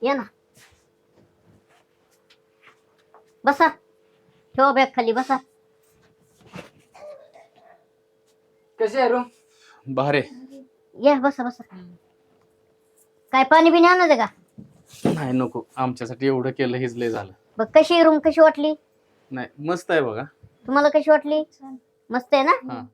या ना, बसा. ठेवा बॅग खाली, बसा. कशी आहे रूम? भारे. या बसा बसा. काय पाणी बिणी आणायचं का? नाही नको, आमच्यासाठी एवढं केलं हेच लय झालं. बघ कशी रूम कशी वाटली? नाही मस्त आहे बघा. तुम्हाला कशी वाटली? मस्त आहे ना? हा.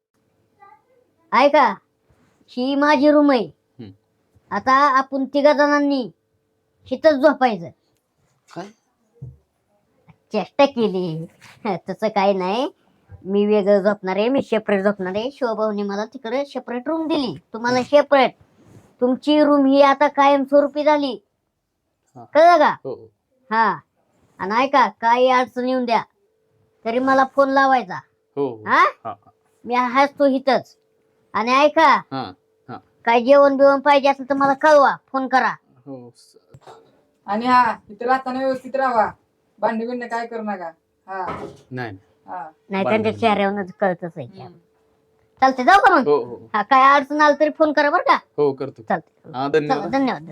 ऐका, ही माझी रूम आहे. हम्म. आता आपण 3 जणांनी हिथंच झोपायचं. काय? चेष्टा केली. तसं काही नाही. मी वेगळं झोपणार आहे, मी सेपरेट झोपणार आहे. शिवभाऊने मला तिकडे सेपरेट रूम दिली, तुम्हाला सेपरेट. तुमची रूम ही आता कायमस्वरूपी झाली, हा. कळलं का? हो. हा. आणि ऐका, काही अडचण येऊन द्या तरी मला फोन लावायचा. हो. हा, हा. मी हसतो इथंच. आणि ऐका, हा. हा. काय जेवण बिवण पाहिजे असेल तर मला कळवा, फोन करा. हो. आणि हा इथे राहताना व्यवस्थित राहा, भांडी बिंड काय करू नका. हा नाही. हा. नाही त्यांच्या चेहऱ्यावरच कळतच आहे. चालते, जाऊ का मग? हो हो हा, काय अडचण आलं तरी फोन करा बरं का. हो करतो. चालते. हा चला, धन्यवाद. धन्यवाद.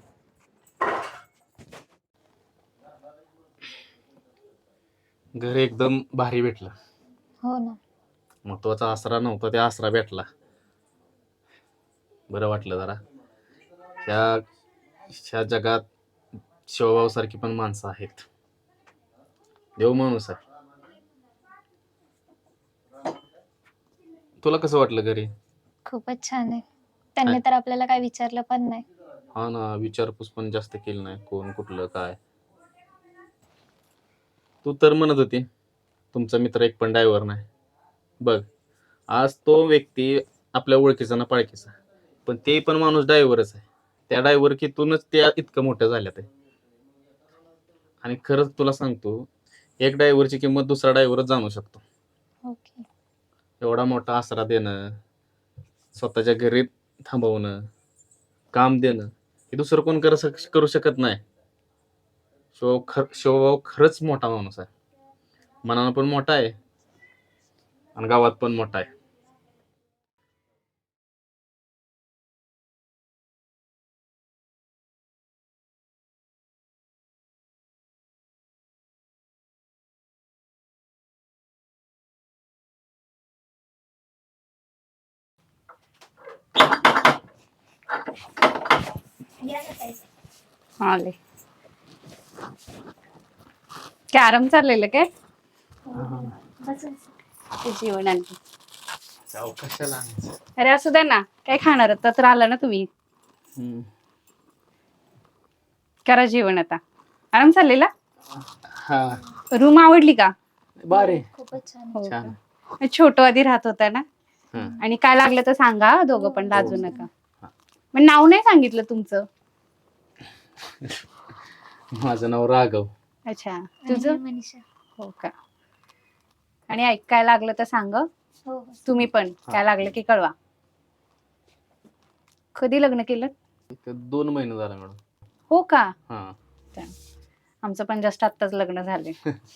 घर एकदम भारी भेटलं. हो ना. महत्वाचा आसरा नव्हता, ते आसरा भेटला. बरं वाटलं जरा. ह्या जगात शिवभाऊ सारखी पण माणसं आहेत. देव माणूस आहे. तुला कसं वाटलं घरी? खूपच छान आहे. त्यांनी तर आपल्याला काय विचारलं पण नाही. हा ना, विचारपूस पण जास्त केली नाही, कोण कुठलं काय. तू तर म्हणत होती तुमचा मित्र एक पण ड्रायव्हर नाही. बघ, आज तो व्यक्ती आपल्या ओळखीचा ना पाळखीचा, पण ते पण माणूस ड्रायव्हरच आहे. त्या ड्रायव्हरकीतूनच त्या इतकं मोठं झाल्यात आहे. आणि खरंच तुला सांगतो, एक ड्रायव्हरची किंमत दुसरा ड्रायव्हरच जाणू शकतो. ओके. एवढा मोठा आसरा देणं, स्वतःच्या घरी थांबवणं, काम देणं, हे दुसरं कोण करू शकत नाही. शिवभाऊ खरंच मोठा माणूस आहे. मनानं पण मोठा आहे आणि गावात पण मोठा आहे. आले. कॅरम चाललेलं काय? जेवण आणखी. कशाला आणायचं? अरे असू द्या ना, काय खाणार तर आला ना तुम्ही. करा जेवण आता. आराम चाललेला. हा. रूम आवडली का? बारे. खूपच छान. हो छान. का? छोटू आधी राहत होता ना. हा. आणि काय लागलं तर सांगा, दोघं पण लाजू हो. नका. मग नाव नाही सांगितलं तुमचं. माझं नाव राघव. अच्छा, तुझं? मनीषा. हो का. आणि ऐक, काय लागलं तर सांग. हो. तुम्ही पण काय लागलं की कळवा. कधी लग्न केलं? 2 महिने झाला मॅडम. हो का. हा. आमचं पण जस्ट आत्ताच लग्न झाले.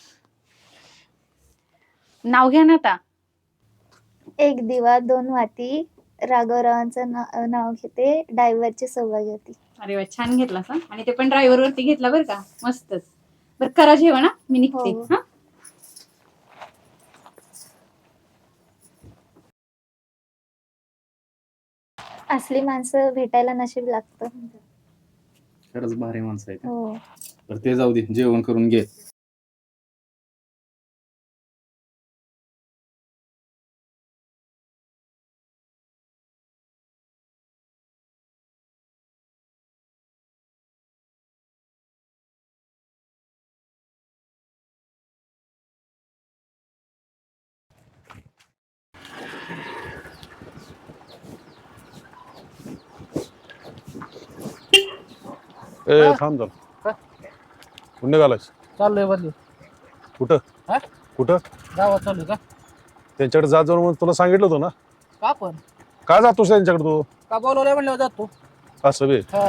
नाव घ्या ना आता. एक दिवा 2 वाती. राघवरावांचं नाव घेते. ड्रायव्हरची सौभाग्यवती. अरे वा, छान घेतला सा. आणि ते पण ड्रायव्हर वरती घेतला बरं का. मस्तच. बरं करा जेवण हा, मी निघते. हो. हा. असली माणसं भेटायला नशीब लागतं. खरंच भारी माणसं आहे. हो. तर ते जाऊ दे, जेवण करून घे. ए थांब जरा. कुठं निघालायस? चाललोय बदली. कुठं? हा? कुठं? गावात चाललोय का? त्यांच्याकडे जा जाऊन तुला सांगितलं होतं ना. का पण? का जातोस त्यांच्याकडे तू? का बोलवलंय म्हणल्यावर जातो. असं बे. हा.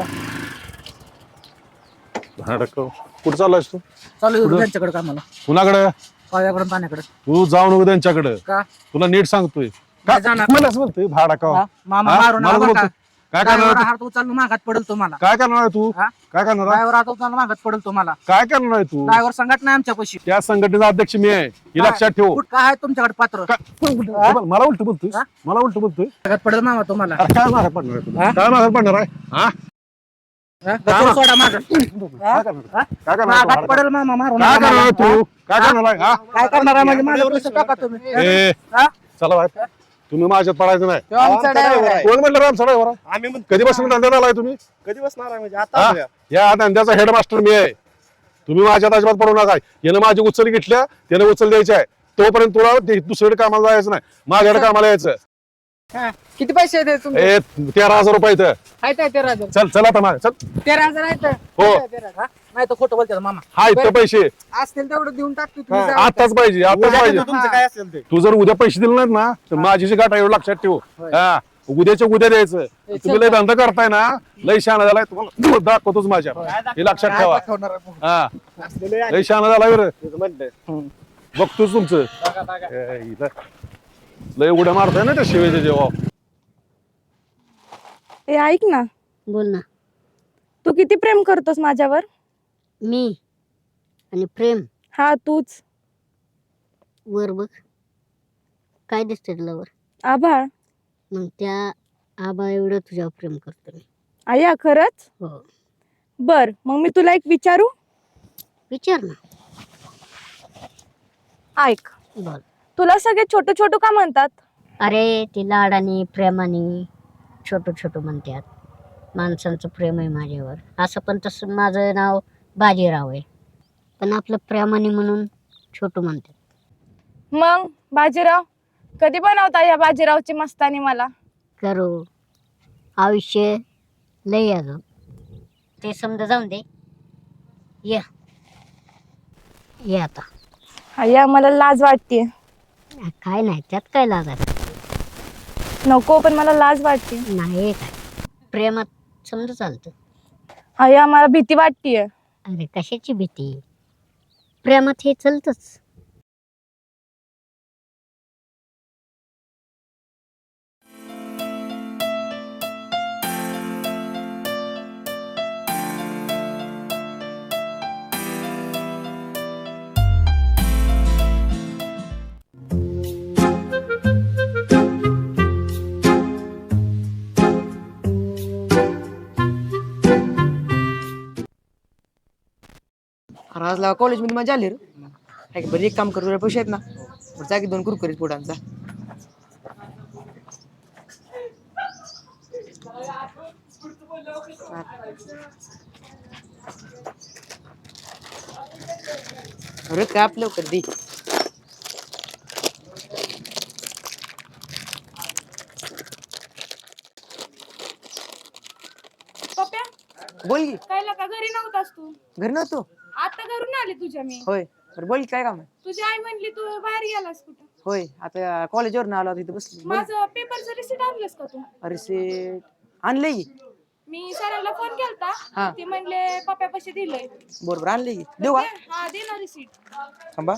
कुठं चाललायस तू? चालू कुठं? त्यांच्याकडे कामाला. कुणाकडे? पायाकडून पाण्याकडे. तू जाऊ नको त्यांच्याकडे. का? तुला नीट सांगतोय. का नाही जाणार. मला असं म्हणतोय भाडा का? हा? मामा हा? मारून मला आला बोलतो. का? काय करणार ड्रायव्हर आहे हात उचलून मागात पडेल तुम्हाला तू? काय करणार आहे तू? हा? काय करणार आहे? ड्रायव्हर हात उचलून मागात पडेल तुम्हाला. काय करणार आहे तू? ड्रायव्हर संघटना नाही आमच्या पैशी. त्या संघटनेचा अध्यक्ष मी आहे हे लक्षात ठेव. काय आहे तुमच्याकडे पात्र? मला उलट बोलतोय, हा? मला उलट बोलतोय. मागात पडेल मामा तुम्हाला. अरे काय माघार पडणार आहे तुला? हा? काय माघार पडणार आहे? हा? गजर सोडा मागं. काय करणार? काय करणार मागात तू? पडेल मामा मारून. काय करणार आहे तू? काय करणार आहे? हा? काय करणार आहे म्हणजे माझं पैसे टाका तुम्ही. ए, हा? चला बाहेर. तुम्ही माझ्यात पडायचं नाही. तो आमचा ड्रायव्हर आहे. कोण म्हणलं आमचा ड्रायव्हर आम्ही कधी बसून धंद्यात आलाय तुम्ही? कधी बसणार आहे म्हणजे हा? आता या धंद्याचा हेडमास्टर मी आहे. तुम्ही माझ्यात अजिबात पडू नका. यानं माझी उचल घेतल्या त्याने उचल द्यायची आहे. तोपर्यंत तुला दुसरीकडे कामाला जायचं नाही, माझ्याकडे कामाला यायचं. किती पैसे आहेत तुमचे? ए 13,000 रुपये इथं. आहेत 13,000. चल चल आता मागे चल. 13,000 आहेत. हो नाही तर खोटं बोलतात मामा. हा इथं पैसे असतील तेवढं देऊन टाकतो तुम्ही हा. जा. आताच पाहिजे, आताच पाहिजे. तुमचं काय असेल ते तू जर उद्या पैसे दिले नाहीत ना तर माझी जी गाठ आहे एवढं लक्षात ठेव. हा उद्याच्या उद्या द्यायचं. तुम्ही लय धंदा करताय ना, लय शहाणा झालाय. तुम्हाला दाखवतोच माझ्या, हे लक्षात ठेवा. हा लय शहाणा झालाय बरं. बघतोच तुमचं ए, इथं लय उड्या मारताय ना त्या शिवेच्या जेव्हा. ए ऐक ना, बोल ना. तू किती प्रेम करतोस माझ्यावर? मी आणि प्रेम हा तूच. वर बघ काय दिसतंय तुला वर? आभाळ. मग त्या आबा एवढं तुझ्यावर प्रेम करतो मी. आया खरंच? हो. बर मग मी तुला एक विचारू? विचार ना. ऐक, बोल. तुला सगळे छोटू छोटू का म्हणतात? अरे ते लाडाने प्रेमाने छोटं छोटं म्हणतात. माणसांचं प्रेम आहे माझ्यावर. असं पण तसं माझं नाव बाजीराव आहे, पण आपलं प्रेमाने म्हणून छोटू म्हणतात. मग बाजीराव कधी बनवता या बाजीरावची मस्तानी मला? करू आयुष्य लय अजून, ते समजा जाऊन दे. ये आता. आया मला लाज वाटते. काय नाही त्यात काय लागायचं. नको पण मला लाज वाटते. नाही काय प्रेमात समजा चालतं. आया मला भीती वाटतीये. अरे कशाची भीती, प्रेमात हे चलतच. आज लावा कॉलेजमध्ये मजा आली रे. हाय का, बरं एक काम करू, पैसे आहेत ना, बरं जा की 2 कुरकुरीत पुढांचा. अरे काय आपलं लवकर दे. पप्या बोल की. काय का घरी नव्हतास तू? घरी नव्हतो. आता घरून आले तुझ्या मी. होय बरं बोल की, काय काम आहे? तुझी आई म्हणली तू बाहेर गेलास कुठं. होय आता कॉलेजवर आलो तिथे बसली. माझं पेपरचं रिसिट आणलंस का तू? रिसिट आणलंय की. मी सरांना फोन केलता, हा. ते म्हणले पप्यापाशी दिलंय. बरोबर आणलंय की. देऊ का? हा दे ना रिसिट. थांबा.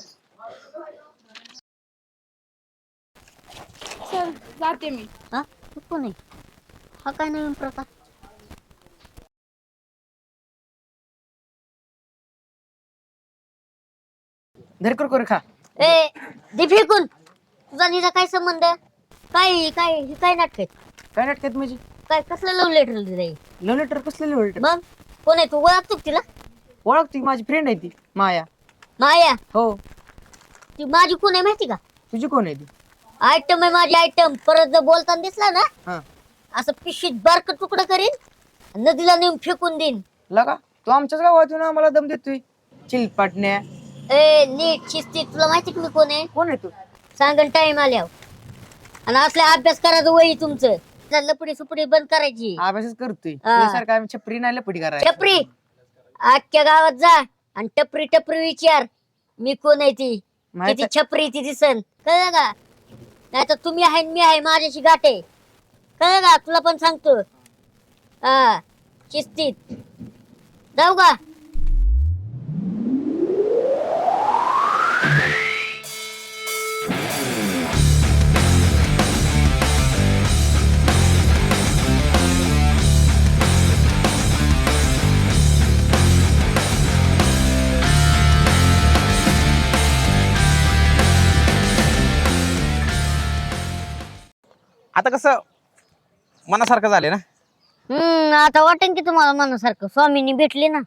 चल जाते मी. हा तू कोण आहे? हा काय नवीन प्रकार? धर कुरकुरे खा. ए दे फेकून. तुझा निजा काय संबंध? काय काय हे काय नाटक आहेत? काय नाटकात म्हणजे? काय कसलं लव्ह लेटर दिलंय? लव्ह लेटर कसलं लव्ह लेटर? मग कोण आहे तू? ओळखतो का तिला? ओळखती, माझी फ्रेंड आहे ती माया. माया? हो. ती माझी कोण आहे माहिती का? तुझी कोण आहे ती? आयटम आहे माझी आयटम. परत जर बोलताना दिसला ना हा. असं पिशीत बारक तुकडं करीन, नदीला नेऊन फेकून देईन. लगा तू आमच्याच गावातून आम्हाला दम देतोय चिलपाटण्या. ए नीट शिस्ती. तुला माहिती का मी कोण आहे? कोण आहे तू? सांगन टाइम आल्यावर. आणि असल्या अभ्यास करायचं वही तुमचं. लपडी सुपडी बंद करायची. अभ्यासच करतोय. हा. तुझ्यासारखं आम्ही छपरी नाही लपडी करायला. टपरी आजच्या गावात जा आणि टपरी टपरी विचार मी कोण आहे ती, माहित किती छपरी ती दिसन. कळलं का? नाही तर तुम्ही आहे आणि मी आहे, माझ्याशी गाठे. कळलं का? तुला पण सांगतो. हा शिस्तीत जाऊ का? आता कसं मनासारखं झाले ना. आता वाटेन की तुम्हाला मनासारखं स्वामींनी भेटली ना.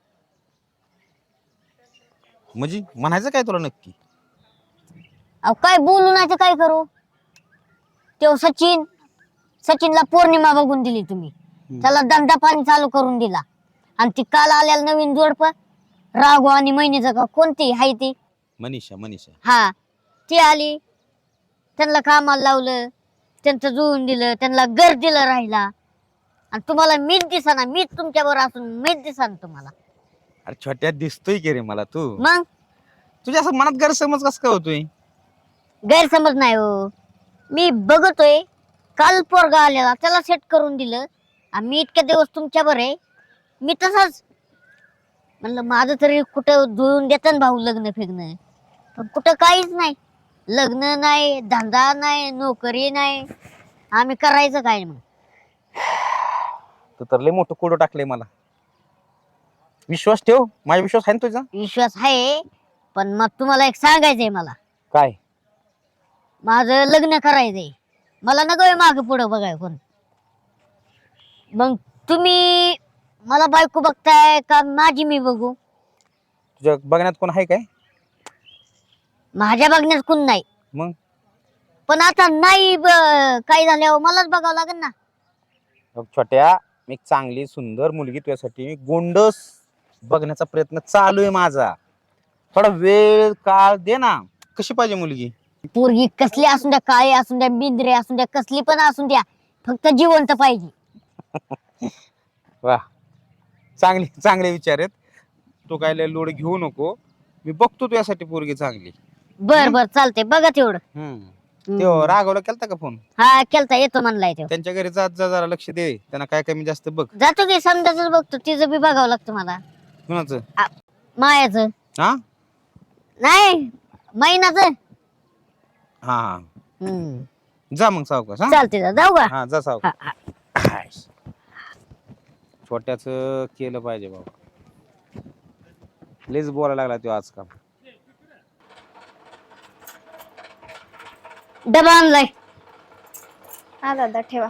म्हणजे म्हणायचं काय तुला नक्की? अहो काय बोलू नाही तर काय करू. तो सचिनला पौर्णिमा बघून दिली तुम्ही. त्याला धंदा पाणी चालू करून दिला. आणि ती काल आलेला नवीन जोडप राघव आणि महिनीचं का कोणती हाय ती मनीषा हा ती आली. त्यांना कामाला लावलं. त्यांचं जुळून दिलं. त्यांना घर दिलं राहिला. आणि तुम्हाला मीच दिसाना. मीच तुमच्या बरोबर असून मीच दिसाना तुम्हाला. अरे छोट्या दिसतोय की रे मला तू. मग तुझ्या असं मनात गैरसमज कसं काय होतोय? गैरसमज नाही हो. मी बघतोय काल पोरगा आलेला त्याला सेट करून दिलं. आणि मी इतक्या दिवस तुमच्या बरे मी तसाच म्हणलं माझं तरी कुठं जुळून देतं भाऊ लग्न फिरणं. पण कुठं काहीच नाही. लग्न नाही, धंदा नाही, नोकरी नाही. आम्ही करायचं काय मग? तू तर लय मोठं कोडं टाकलंय मला. विश्वास ठेव, माझा विश्वास आहे ना तुझा. विश्वास आहे. पण मग तुम्हाला एक सांगायचंय मला. काय? माझं लग्न करायचंय. मला नको माग पुढं बघाय कोण. मग तुम्ही मला बायको बघताय का माझी मी बघू? तुझ्या बघण्यात कोण आहे काय? माझ्या बघण्यात कोण नाही. मग पण आता नाही काय झाल्यावर मलाच बघावं लागेल ना. बघ छोट्या, मी एक चांगली सुंदर मुलगी तुझ्यासाठी मी गोंडस बघण्याचा प्रयत्न चालू आहे माझा. थोडा वेळ काळ दे ना. कशी पाहिजे मुलगी? पोरगी कसली असून द्या, काळी असून द्या, बिंद्रे असून द्या, कसली पण असून द्या, फक्त जिवंत पाहिजे. वा, चांगले विचार आहेत. तू काय लय लोड घेऊ नको. मी बघतो तुझ्यासाठी पोरगी चांगली. बर चालते बघा तेवढं. तो राघवला केलता का फोन? हा केलता. येतो म्हणलाय तो. त्यांच्या घरी जात जा, जरा लक्ष दे. त्यांना काय कमी जास्त बघ. जातो की समजाच बघतो. तिचं बी बघावं लागतं मला. कुणाचं? मायाचं हा नाही महिनाचं. हा जा मग सावकाश. हा चालते जाऊ का? हा जा सावकाश. हा, हा. छोट्याच केलं पाहिजे बाबा. लेच बोलायला लागला तो आजकाल. डबा आणलाय. हा दादा ठेवा.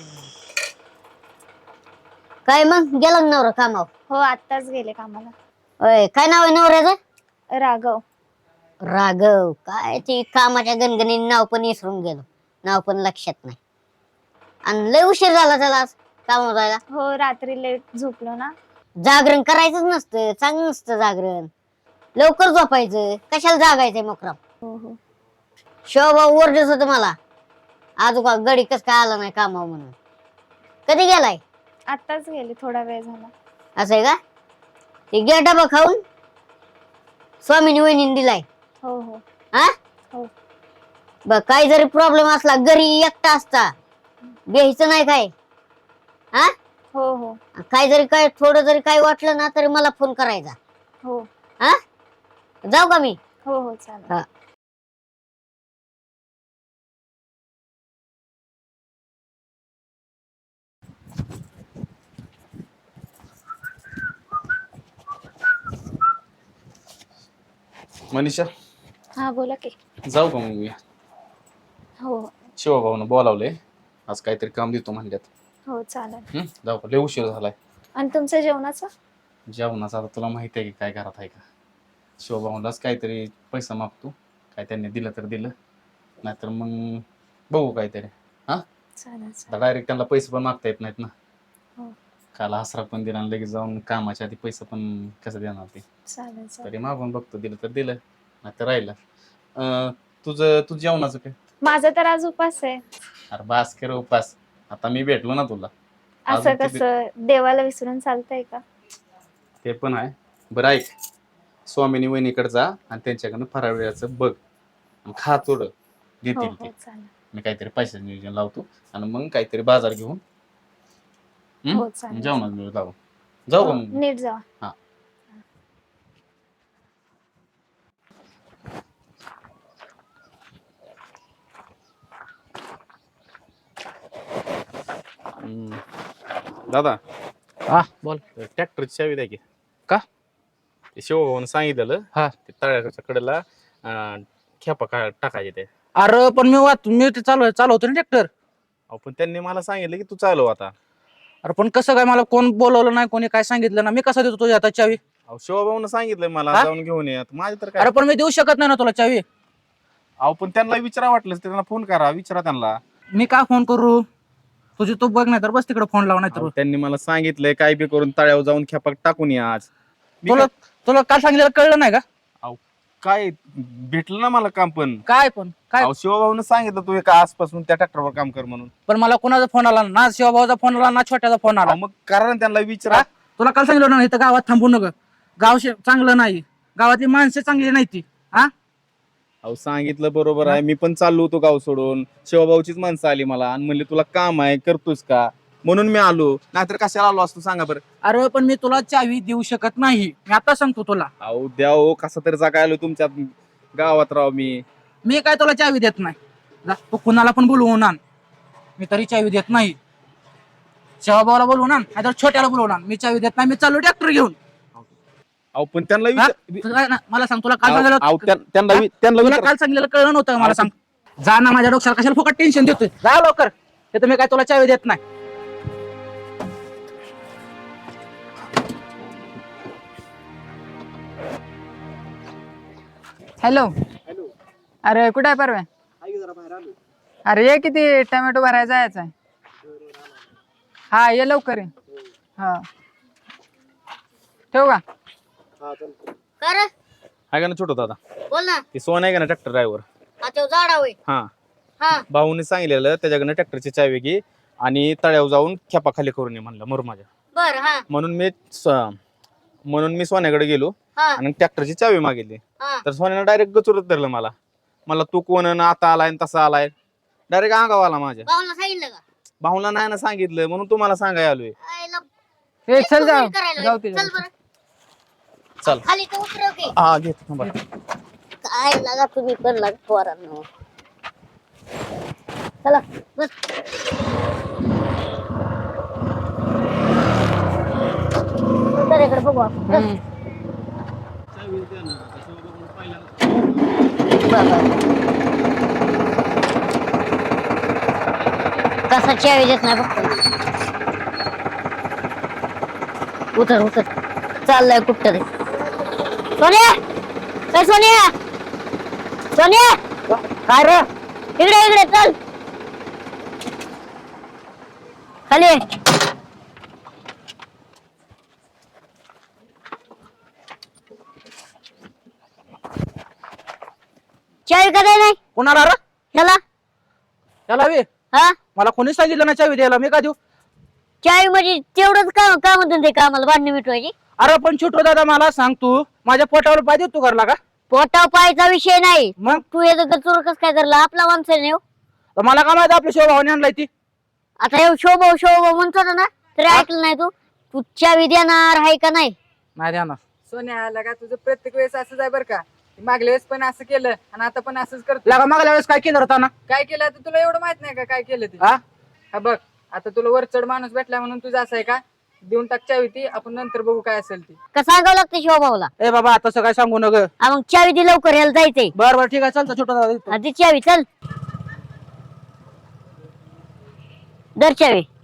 काय मग गेला का नवरा कामावर? हो आत्ताच गेले कामाला. होय काय नाव आहे नवऱ्याचं? राघव. राघव. काय ते कामाच्या गणगणीने नाव पण विसरून गेलो. नाव पण लक्षात नाही. आणि लय उशीर झाला त्याला आज कामावर जायला. हो रात्री लेट झोपलो ना. जागरण करायचंच नसतं. चांगलं नसतं जागरण. लवकर झोपायचं. कशाला जागायचंय मोकराम? हो शोभाऊ ओरडत होत मला. आजू का गडी कस काय आला नाही कामावर म्हणून. कधी गेलाय? आत्ताच गेले, थोडा वेळ झाला. असं आहे का? ते घ्या डबा खाऊन. स्वामीनी वहिनीने दिलाय. हो हा हो. बघ काही जरी प्रॉब्लेम असला घरी एकटा असता घ्यायचं नाही काय. हा हो काय जरी काय थोडं जरी काय वाटलं ना तरी मला फोन करायचा. हो हा जाऊ का मी? हो चालेल. हा. मनीषा हा बोला की. जाऊ का मग मी? हो शिवभाऊन बोलावले. आज काहीतरी काम देतो म्हणल्यात. हो चालेल. जाऊ का? लय उशीर झालाय. आणि तुमचं जेवणाचं? जेवणाचं आता तुला माहिती आहे की काय घरात आहे का. शिवभाऊलाच काहीतरी पैसा मागतो. काय त्यांनी दिलं तर दिलं. नाहीतर मग बघू काहीतरी. हा चालेल. डायरेक्ट त्यांना पैसे पण मागता येत नाहीत ना. हो. काल आसरा पण दिला आणि लगेच जाऊन कामाच्या आधी पैसा पण कसं देणार ते. चालेल. तरी मागून बघतो. दिलं तर दिलं नाही तर राहिलं. तुझं जेवणाचं काय? माझा तर आज उपास आहे. अरे बास कर उपास. आता मी भेटलो ना तुला. असं अजून किती- कसं देवाला विसरून चालतंय का? ते पण आहे. बरं ऐक, स्वामिनी वहिनीकडे जा आणि त्यांच्याकडनं फराळ वेळाचं बघ आणि खा थोडं. हो देतील ते. चालेल. मी काहीतरी पैशाचं नियोजन लावतो आणि मग काहीतरी बाजार घेऊन हो चालेल. जेवणात मिळू जाऊ. जाऊ का हो, मग? नीट जावा. हा. दादा हा बोल. ट्रॅक्टरची चावी द्या की. का? ते शिवभाऊन सांगितलेलं. हा. ते तळ्याच्या कडेला खेपा टाकायचे ते. अरे पण मी ते चालवतो ना ट्रॅक्टर. अहो पण त्यांनी मला सांगितलं की तू चालव आता. अरे पण कसं काय, मला कोण बोलवलं नाही, कोणी काय सांगितलं ना, मी कसं देतो तुझ्या हातात चावी? अहो शिवभाऊन सांगितलंय मला हा? जाऊन घेऊन ये. माझे तर काय. अरे पण मी देऊ शकत नाही ना तुला चावी. अहो पण त्यांना विचारा वाटलं त्यांना फोन करा, विचारा त्यांना. मी काय फोन करू? तुझी तू बघ, नाही तर बस तिकडे फोन लाव, नाही तर अहो, त्यांनी मला सांगितलंय काय बी करून तळ्यावर जाऊन खेपाक टाकून ये आज. मी तुला तुला काय सांगितलं कळलं नाही का? काय भेटलं ना मला काम पण. काय पण काय? अहो शिवभाऊन सांगितलं तू एका आजपासून त्या ट्रॅक्टरवर काम कर म्हणून. पण मला कोणाचा फोन आला ना, शिवभाऊचा फोन आला ना, छोट्याचा फोन आला. अहो, मग करा ना त्यांना विचारा. हा? तुला काल सांगितलं ना इथं गावात थांबू नका, गाव चांगलं नाही, गावातली माणसं चांगली नाही ती. हा अहो सांगितलं बरोबर आहे. मी पण चाललो होतो गाव सोडून, शिवभाऊचीच माणसं आली मला आणि म्हणले तुला काम आहे करतोस का, म्हणून मी आलो. नाहीतर कशाला आलो असतो सांगा बरं. अरे पण मी तुला चावी देऊ शकत नाही, मी आता सांगतो तुला. अहो द्या हो, कसा तरी जागा आलो तुमच्या गावात राव मी. मी काय तुला चावी देत नाही. जा, तू कुणाला पण बोलवून आण, मी तरी चावी देत नाही. शिवभाऊला बोलवून आण, नाहीतर छोट्याला बोलवून आण, मी चावी देत नाही. मी चालू ट्रॅक्टर घेऊन. अहो पण त्यांना हा? विचार- तुला ना- मला सांग, तुला काल अहो, सांगितलं अहो, त्यांना हा? त्यांना तुला विचारा. काल सांगितलं कळलं नव्हतं का? मला सांग. जा ना, माझ्या डोक्याला कशाला फुकट टेन्शन देतोय, जा लवकर. ते तुम्ही काय तुला चावी देत नाही. हॅलो. अरे कुठे आहे परवा? अरे ये, किती टोमॅटो भरायला जायचं आहे. हा ये लवकर ये. हा ठेवू का? कर आहे का ना छोटो दादा, बोल ना. ते सोन आहे का ना ट्रॅक्टर ड्रायव्हर. हा तो झाडा होय. हा हा भाऊने सांगितलेलं त्याच्याकडनं ट्रॅक्टरची चावी घे आणि तळ्यावर जाऊन खेपा खाली करून ये म्हणलं मुरमाच्या. बर. हा म्हणून मी सोन्याकडे गेलो हा आणि ट्रॅक्टरची चावी मागितली. हा तर सोन्यानं डायरेक्ट गचुरत धरलं मला. मला तू कोण आहे ना, आता आलाय न तसा आलाय, डायरेक्ट अंगावर आला माझ्या. भाऊला सांगितलं का? भाऊला नाही ना सांगितलं, म्हणून तुम्हाला सांगाय आलोय. आईला ए चल जाऊ करायला जाऊ होय. ते चल बरं. चल. खाली तर उतरव की. हा घेत थांबा. काय लागा तुम्ही पण लागा पोरांनो. चला बस. उतरेकडे बघू आपण. चल. कसा चावी देत नाही बघतो. उतर उतर. चाललंय कुठं ते. सोन्या, ए सोन्या, सोन्या, काय रे? इकडे इकडे चल. खाली ये. चावी का नाही कोणाला रे? ह्याला? त्याला बी हा मला कोणी सांगितलं ना चावी द्यायला, मी का देऊ? चावी म्हणजे तेवढंच काम काम धंदे कामाला भांडणी मिटवायची. अरे पण छोटो दादा मला सांग, तू माझ्या पोटावर पाय देतो घरला का? पोटाव पायचा विषय नाही. मग तू हे गचूर कस काय धरला? आपला माणसं नाही हो. तर मला काय माहिती आपल्या शिवभावाने आणलाय ती. आता हे शोभव शोभव म्हणतो ना, तरी ऐकलं नाही तू. तू चावी देणार आहे का नाही? नाही द्या ना. सोन्या आला का? तुझं प्रत्येक वेळेस असंच आहे बरं का? मागल्या वेळेस पण असं केलं आणि आता पण असंच करतो. लगा मागल्या वेळेस काय केलं होता ना? काय केलं आता तुला एवढं माहित नाही का काय केलं ते? हा? हा बघ, आता तुला वरचढ माणूस भेटला म्हणून तुझं असं आहे का? देऊन टाक चावी ती, आपण नंतर बघू काय असेल ती. का सांगावं लागतं शोभावला? ए बाबा आता काय सांगू नग. मग चावी दे लवकर, यायला जायचंय. बर बर ठीक आहे, चालतं छोटो दादा. आधी चावी चल. दर चावी.